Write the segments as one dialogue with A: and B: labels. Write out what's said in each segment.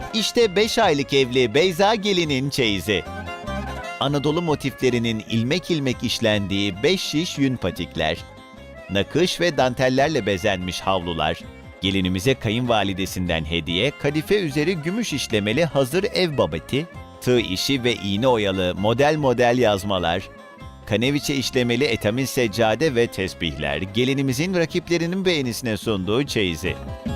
A: İşte 5 aylık evli Beyza gelinin çeyizi. Anadolu motiflerinin ilmek ilmek işlendiği 5 şiş yün patikler, nakış ve dantellerle bezenmiş havlular, gelinimize kayınvalidesinden hediye, kadife üzeri gümüş işlemeli hazır ev babeti, tığ işi ve iğne oyalı model model yazmalar, kaneviçe işlemeli etamin seccade ve tesbihler, gelinimizin rakiplerinin beğenisine sunduğu çeyizi.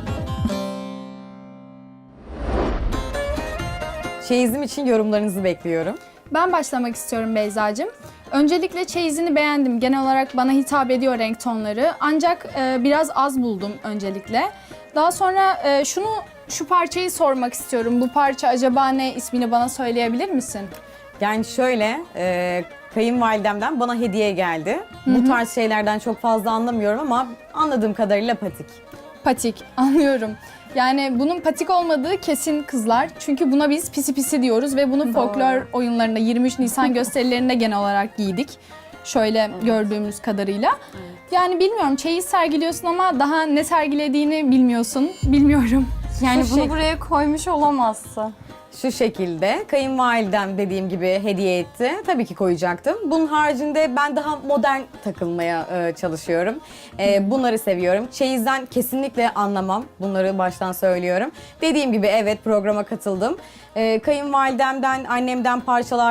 B: Çeyizim için yorumlarınızı bekliyorum.
C: Ben başlamak istiyorum Beyzacığım. Öncelikle çeyizini beğendim. Genel olarak bana hitap ediyor renk tonları. Ancak biraz az buldum öncelikle. Daha sonra şu parçayı sormak istiyorum. Bu parça acaba ne, ismini bana söyleyebilir misin?
B: Yani şöyle, kayınvalidemden bana hediye geldi. Bu tarz şeylerden çok fazla anlamıyorum ama anladığım kadarıyla patik.
C: Patik, anlıyorum. Yani bunun patik olmadığı kesin kızlar. Çünkü buna biz pisi pisi diyoruz ve bunu folklor oyunlarında 23 Nisan gösterilerinde genel olarak giydik. Şöyle gördüğümüz kadarıyla. Yani bilmiyorum, çeyiz sergiliyorsun ama daha ne sergilediğini bilmiyorsun. Bilmiyorum.
D: Yani
B: Şu
D: bunu
B: şey-
D: buraya koymuş olamazsın.
B: Şu şekilde, kayınvalidem dediğim gibi hediye etti. Tabii ki koyacaktım. Bunun haricinde ben daha modern takılmaya çalışıyorum. Bunları seviyorum. Çeyizden kesinlikle anlamam. Bunları baştan söylüyorum. Dediğim gibi evet, programa katıldım. Kayınvalidemden, annemden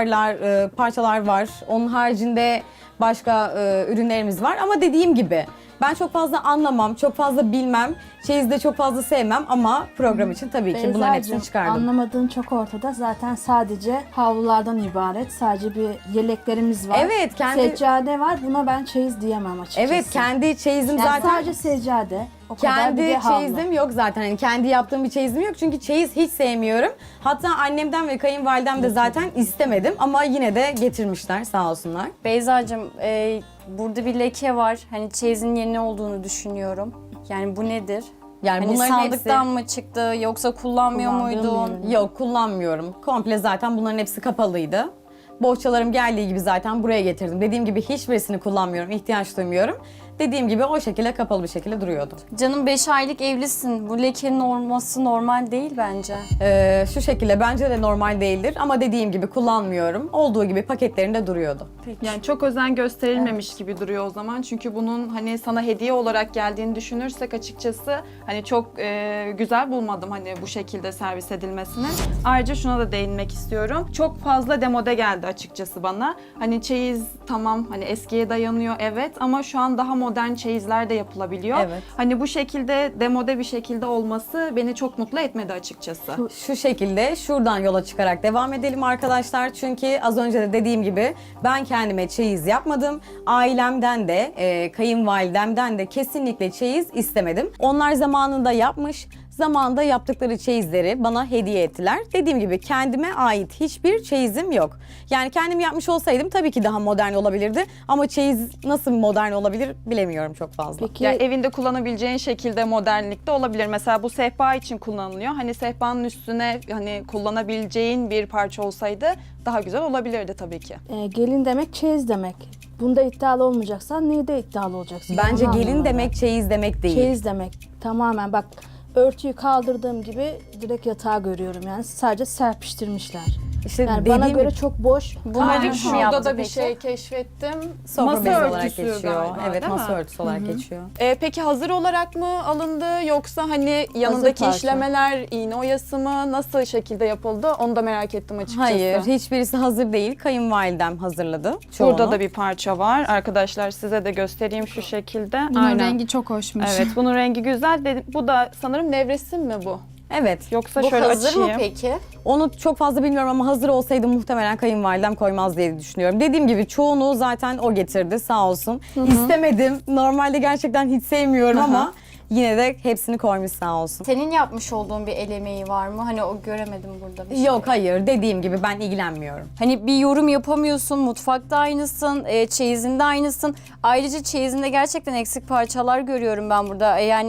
B: parçalar var. Onun haricinde başka ürünlerimiz var. Ama dediğim gibi ben çok fazla anlamam, çok fazla bilmem. Çeyizde çok fazla sevmem ama program için tabii ki bunların hepsini
E: Beyzacığım,
B: çıkardım.
E: anlamadığın çok ortada. Zaten sadece havlulardan ibaret. Sadece bir yeleklerimiz var.
B: Evet, kendi
E: Seccade var. Buna ben çeyiz diyemem açıkçası.
B: evet, kendi çeyizim
E: Yani
B: zaten.
E: sadece seccade. O kadar, bir
B: Kendi
E: de havlu.
B: çeyizim yok zaten. Hani kendi yaptığım bir çeyizim yok. Çünkü çeyiz hiç sevmiyorum. Hatta annemden ve kayınvalidem de zaten istemedim ama yine de getirmişler, sağ olsunlar.
D: Beyzacığım, burada bir leke var. Hani çeyizin yeni olduğunu düşünüyorum. Yani bu nedir?
B: Yani
D: Hani
B: bunların
D: sandıktan mı çıktı yoksa kullanmıyor
E: Kullandığım
D: muydun?
E: ürün.
B: yok, kullanmıyorum. Komple zaten bunların hepsi kapalıydı. Bohçalarım geldiği gibi zaten buraya getirdim. Dediğim gibi hiçbirisini kullanmıyorum, ihtiyaç duymuyorum. Dediğim gibi o şekilde kapalı bir şekilde duruyordu.
D: Canım 5 aylık evlisin. Bu lekenin olması normal değil bence.
B: Şu şekilde bence de normal değildir ama dediğim gibi kullanmıyorum. Olduğu gibi paketlerinde duruyordu.
F: Yani çok özen gösterilmemiş gibi duruyor o zaman. Çünkü bunun hani sana hediye olarak geldiğini düşünürsek açıkçası hani çok güzel bulmadım hani bu şekilde servis edilmesini. Ayrıca şuna da değinmek istiyorum. Çok fazla demode geldi açıkçası bana. Hani çeyiz tamam hani eskiye dayanıyor evet ama şu an daha modern çeyizler de yapılabiliyor.
B: Evet.
F: Hani bu şekilde demode bir şekilde olması beni çok mutlu etmedi açıkçası.
B: Şu şekilde şuradan yola çıkarak devam edelim arkadaşlar. Çünkü az önce de dediğim gibi ben kendime çeyiz yapmadım. Ailemden de kayınvalidemden de kesinlikle çeyiz istemedim. Onlar zamanında yapmış. Zamanında yaptıkları çeyizleri bana hediye ettiler. Dediğim gibi kendime ait hiçbir çeyizim yok. Yani kendim yapmış olsaydım tabii ki daha modern olabilirdi. Ama çeyiz nasıl modern olabilir bilemiyorum çok fazla.
E: Peki
F: Yani evinde kullanabileceğin şekilde modernlikte olabilir. Mesela bu sehpa için kullanılıyor. Hani sehpanın üstüne hani kullanabileceğin bir parça olsaydı daha güzel olabilirdi tabii ki.
E: gelin demek çeyiz demek. Bunda iddialı olmayacaksan neyde iddialı olacaksın?
B: Bence
E: Onu
B: gelin
E: anlamadım
B: demek
E: ben.
B: çeyiz demek değil.
E: Çeyiz demek. Tamamen bak, örtüyü kaldırdığım gibi direkt yatağı görüyorum yani. Sadece serpiştirmişler.
B: İşte
E: Yani
B: dediğim
E: bana göre
B: gibi
E: çok boş.
D: Bunları kim yaptı
F: Şurada da bir
D: peki?
F: şey keşfettim.
B: sofra
F: Masa
B: bezi olarak
F: örtüsü
B: geçiyor.
F: galiba,
B: Evet,
F: değil
B: masa
F: mi?
B: örtüsü olarak geçiyor.
F: Peki hazır olarak mı alındı yoksa hani yanındaki
E: parça.
F: işlemeler iğne oyası mı nasıl şekilde yapıldı onu da merak ettim açıkçası.
B: Hayır, hiçbirisi hazır değil. Kayınvalidem hazırladı çoğunu.
F: Burada da bir parça var. Arkadaşlar size de göstereyim şu şekilde.
C: Bunun rengi çok hoşmuş.
F: Evet, bunun rengi güzel. Bu da sanırım nevresim mi bu?
B: Evet.
F: Yoksa
D: Bu
F: şöyle
D: hazır
F: açayım.
D: mı peki?
B: Onu çok fazla bilmiyorum ama hazır olsaydı muhtemelen kayınvalidem koymaz diye düşünüyorum. Dediğim gibi çoğunu zaten o getirdi sağ olsun. İstemedim. Normalde gerçekten hiç sevmiyorum ama yine de hepsini koymuş sağ olsun.
D: Senin yapmış olduğun bir el emeği var mı? Hani o göremedim burada bir şey.
B: Yok, hayır, dediğim gibi ben ilgilenmiyorum.
D: Hani bir yorum yapamıyorsun, mutfakta aynısın, çeyizinde aynısın. Ayrıca çeyizinde gerçekten eksik parçalar görüyorum ben burada. Yani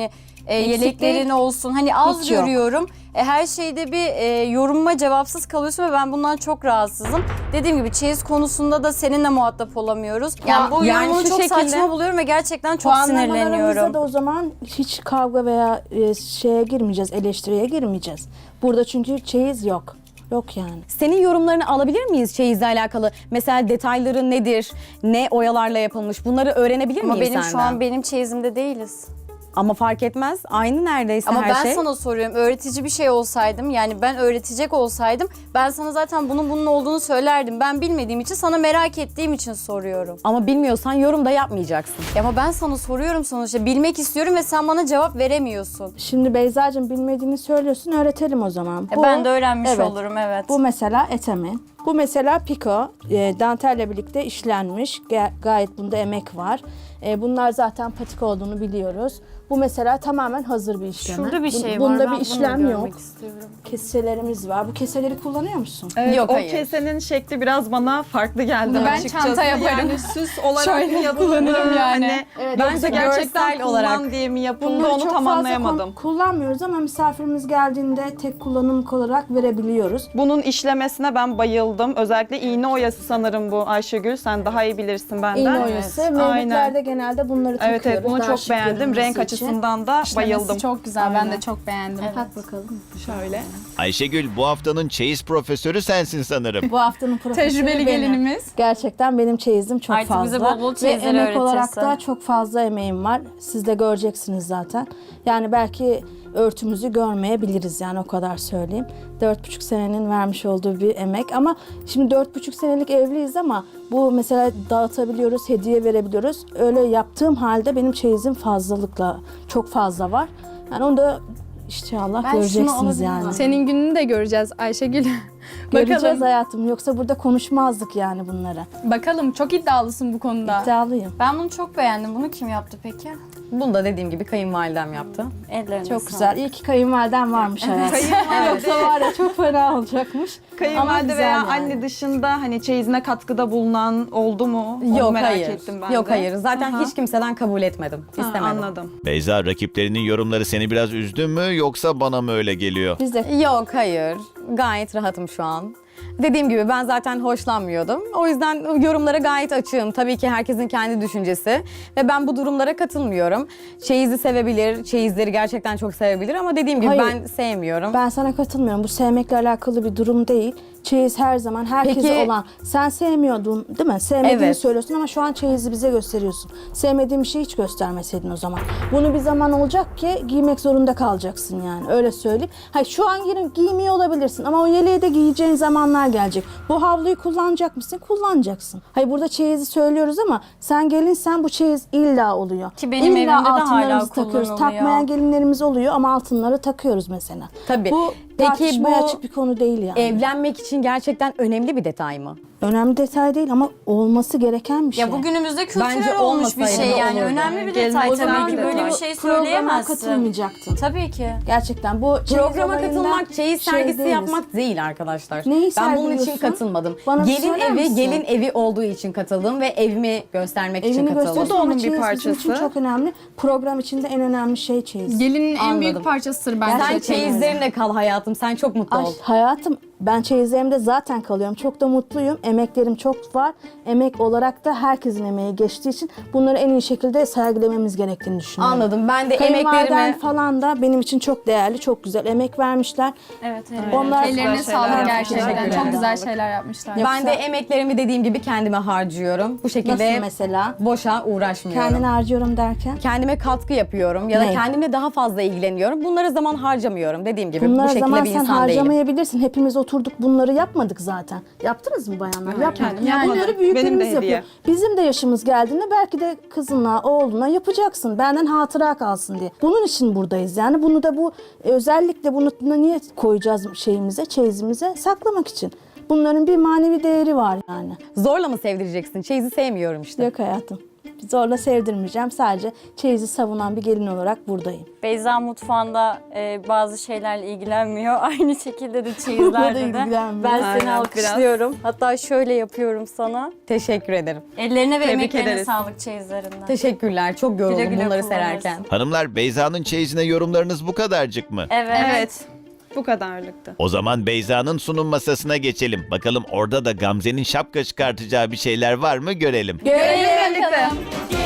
D: yeleklerin olsun. Hani az
B: Hiç yok.
D: görüyorum. Her şeyde bir yorumuma cevapsız kalıyorsun ve ben bundan çok rahatsızım. Dediğim gibi çeyiz konusunda da seninle muhatap olamıyoruz. Yani bu
B: yani
D: yorumunu
B: şu
D: çok
B: şekilde-
D: saçma buluyorum ve gerçekten çok
E: Puanlamalarımızda
D: sinirleniyorum.
E: da o zaman hiç kavga veya şeye girmeyeceğiz, eleştiriye girmeyeceğiz. Burada çünkü çeyiz yok. Yok yani.
B: Senin yorumlarını alabilir miyiz çeyizle alakalı? Mesela detayları nedir? Ne oyalarla yapılmış? Bunları öğrenebilir
D: Ama
B: miyiz
D: benim
B: senden?
D: şu an benim çeyizimde değiliz.
B: Ama fark etmez. Aynı neredeyse
D: Ama
B: her
D: ben
B: şey.
D: sana soruyorum, öğretici bir şey olsaydım, yani ben öğretecek olsaydım, ben sana zaten bunun olduğunu söylerdim. Ben bilmediğim için, sana merak ettiğim için soruyorum.
B: Ama bilmiyorsan yorum da yapmayacaksın.
D: Ama ben sana soruyorum sonuçta, bilmek istiyorum ve sen bana cevap veremiyorsun.
E: Şimdi Beyza'cığım bilmediğini söylüyorsun, öğretelim o zaman.
D: Ben de öğrenmiş
E: evet.
D: olurum, evet.
E: Bu mesela etemin. Bu mesela piko, dantelle birlikte işlenmiş. Gayet bunda emek var. Bunlar zaten patik olduğunu biliyoruz. Bu mesela tamamen hazır bir işleme.
D: Şurada bir şey var.
E: Bunda
D: ben
E: bir
D: bunu
E: işlem
D: görmek
E: yok.
D: istiyorum.
E: Keselerimiz var. Bu keseleri kullanıyor musun?
F: Evet,
B: Yok,
F: o
B: hayır.
F: kesenin şekli biraz bana farklı geldi
C: Bunu ben
F: açıkçası.
C: çanta yaparım.
F: Yani süs olarak
C: Şöyle
F: mı yapıldı?
C: kullanırım yani.
F: Hani,
E: Evet,
F: yoksa
B: bence
F: gerçekten
B: görsel
F: kullan
B: olarak
F: diye mi yapıldı
E: Bunları
F: onu
E: çok
F: tam
E: fazla
F: anlayamadım.
E: kullanmıyoruz ama misafirimiz geldiğinde tek kullanımlık olarak verebiliyoruz.
F: Bunun işlemesine ben bayıldım. Özellikle iğne oyası sanırım bu Ayşegül. Sen daha iyi bilirsin benden.
E: İğne oyası. Mevlütlerde genelde bunları takıyoruz.
F: Evet bunu
E: daha
F: çok
E: şık
F: beğendim.
E: görünmesi
F: Renk
E: için.
F: açısından da
C: İşlemesi
F: bayıldım.
C: çok güzel. Ben de çok beğendim.
E: Tak bakalım.
F: Şöyle.
A: Ayşegül bu haftanın çeyiz profesörü sensin sanırım.
E: Bu haftanın profesörü
C: Tecrübeli
E: benim.
C: gelinimiz.
E: Gerçekten benim çeyizim çok
D: Artık
E: fazla.
D: bize bol bol
E: Ve
D: çeyizleri
E: emek olarak
D: öğretirsin.
E: da çok fazla emeğim var. Siz de göreceksiniz zaten. Yani belki örtümüzü görmeyebiliriz yani o kadar söyleyeyim. 4,5 senenin vermiş olduğu bir emek ama şimdi 4,5 senelik evliyiz ama bu mesela dağıtabiliyoruz, hediye verebiliyoruz. Öyle yaptığım halde benim çeyizim fazlalıkla çok fazla var. Yani onu da inşallah
D: Ben şunu
E: göreceksiniz
D: alabilir
E: yani.
D: miyim?
C: Senin gününü de göreceğiz Ayşegül.
E: Göreceğiz
C: Bakalım.
E: hayatım yoksa burada konuşmazdık yani bunları.
C: Bakalım, çok iddialısın bu konuda.
E: İddialıyım.
D: Ben bunu çok beğendim. Bunu kim yaptı peki?
B: Bunu da dediğim gibi kayınvalidem yaptı.
D: Ellerine
E: Çok
D: sağlık.
E: güzel. İyi ki kayınvaliden varmış hayatım. Yoksa var ya çok fena olacakmış. Ama
F: Kayınvalide
E: güzel
F: veya
E: yani.
F: anne dışında hani çeyizine katkıda bulunan oldu mu? Onu
B: Yok
F: merak
B: hayır.
F: ettim ben
B: Yok
F: de.
B: hayır. Zaten
F: Aha.
B: hiç kimseden kabul etmedim.
F: Ha,
B: İstemedim.
F: anladım.
A: Beyza rakiplerinin yorumları seni biraz üzdü mü yoksa bana mı öyle geliyor?
E: Biz de
B: Yok hayır. Gayet rahatım şu an. Dediğim gibi ben zaten hoşlanmıyordum. O yüzden yorumlara gayet açığım. Tabii ki herkesin kendi düşüncesi. Ve ben bu durumlara katılmıyorum. Çeyizi sevebilir, çeyizleri gerçekten çok sevebilir ama dediğim gibi
E: Hayır.
B: ben sevmiyorum.
E: ben sana katılmıyorum. Bu sevmekle alakalı bir durum değil. Çeyiz her zaman herkese
B: Peki-
E: olan. Sen sevmiyordun değil mi? Sevmediğini
B: Evet.
E: söylüyorsun ama şu an çeyizi bize gösteriyorsun. Sevmediğin bir şeyi hiç göstermeseydin o zaman. Bunu bir zaman olacak ki giymek zorunda kalacaksın yani. Öyle söyleyeyim. Hayır şu an giymiyor olabilirsin ama o yeleği de giyeceğin zamanlar gelecek. Bu havluyu kullanacak mısın? Kullanacaksın. Hayır burada çeyizi söylüyoruz ama sen gelinsen bu çeyiz illa oluyor.
D: Ki benim
E: İlla
D: evimde de hala
E: altınlarımızı takıyoruz.
D: kullanılıyor.
E: Takmayan gelinlerimiz oluyor ama altınları takıyoruz mesela.
B: Tabii.
E: Bu
B: Peki
E: tartışmaya
B: bu
E: açık bir konu değil yani.
B: Evlenmek için gerçekten önemli bir detay mı?
E: Önemli detay değil ama olması gereken bir şey.
D: Ya bugünümüzde kültürel
B: Bence
D: olmuş bir
B: olmasaydı
D: şey
B: da
D: yani.
B: olurdu.
D: Önemli bir
F: Geleneksel
D: detay
F: bir
D: tabii ki.
F: detay.
D: Böyle bir şey
E: Programa
D: söyleyemezsin.
E: katılmayacaktın.
D: Tabii ki.
E: Gerçekten bu çeyiz
B: Programa
E: olayında
B: katılmak, çeyiz
E: şey
B: sergisi
E: değiliz.
B: yapmak değil arkadaşlar.
E: Neyi
B: ben bunun için
E: sergiliyorsun?
B: katılmadım.
E: Bana bir
B: gelin
E: söyler
B: evi,
E: misin?
B: gelin evi olduğu için katıldım ve evimi göstermek için
E: Evini
B: katıldım.
E: gösteriyorsun
F: Bu da onun
E: ama
F: bir
E: çeyiz bizim için
F: parçası.
E: çok önemli. Program içinde en önemli şey çeyiz.
C: Gelinin en
B: Anladım.
C: büyük parçasıdır bence.
B: Sen
C: çeyiz.
B: çeyizlerinle kal hayatım. Sen çok mutlu
E: Ay
B: ol.
E: hayatım ben çeyizlerimde zaten kalıyorum. Çok da mutluyum. Emeklerim çok var. Emek olarak da herkesin emeği geçtiği için bunları en iyi şekilde sergilememiz gerektiğini düşünüyorum.
B: Anladım. Ben de
E: Kayınvaliden
B: emeklerimi...
E: falan da benim için çok değerli, çok güzel emek vermişler.
D: Evet.
E: Onlar
C: Ellerine
F: Güzel şeyler
C: sağlık
F: yapmışlar.
C: gerçekten.
B: Teşekkür
C: Çok
B: ederim.
C: güzel şeyler yapmışlar.
B: Ben de emeklerimi dediğim gibi kendime harcıyorum. Bu şekilde
E: nasıl mesela?
B: boşa uğraşmıyorum.
E: Kendini harcıyorum derken?
B: Kendime katkı yapıyorum ya da
E: Ne?
B: kendimle daha fazla ilgileniyorum. Bunlara zaman harcamıyorum dediğim gibi. Bu
E: Bunları
B: şekilde
E: zaman
B: bir
E: sen
B: insan değilim.
E: harcamayabilirsin. Hepimiz oturduk bunları yapmadık zaten. Yaptınız mı bayanlar? Yapmadık.
F: kendim yapmadım.
E: Bunları
F: Benim de
E: büyüklerimiz
F: hediye.
E: yapıyor. Bizim de yaşımız geldiğinde belki de kızına, oğluna yapacaksın. Benden hatıra kalsın diye. Bunun için buradayız. Yani bunu da bu özellikle bunu niye koyacağız şeyimize, çeyizimize? Saklamak için. Bunların bir manevi değeri var yani.
B: Zorla mı sevdireceksin? Çeyizi sevmiyorum işte.
E: Yok hayatım. Zorla sevdirmeyeceğim. Sadece çeyizi savunan bir gelin olarak buradayım.
D: Beyza mutfağında bazı şeylerle ilgilenmiyor. Aynı şekilde de çeyizlerde de.
E: ilgilenmiyor.
D: Ben
F: Aynen,
D: seni alkışlıyorum. Hatta şöyle yapıyorum sana.
B: Teşekkür ederim.
D: Ellerine ve
F: Tebrik
D: emeklerine
F: ederiz.
D: sağlık çeyizlerinden.
B: Teşekkürler. Çok yoruldum
D: Güle güle
B: bunları
D: kullanırsın.
B: sererken.
A: Hanımlar, Beyza'nın çeyizine yorumlarınız bu kadarcık mı?
D: Evet.
F: Bu kadarlıktı.
A: O zaman Beyza'nın sunum masasına geçelim. Bakalım orada da Gamze'nin şapka çıkartacağı bir şeyler var mı görelim.
C: Görelim bakalım.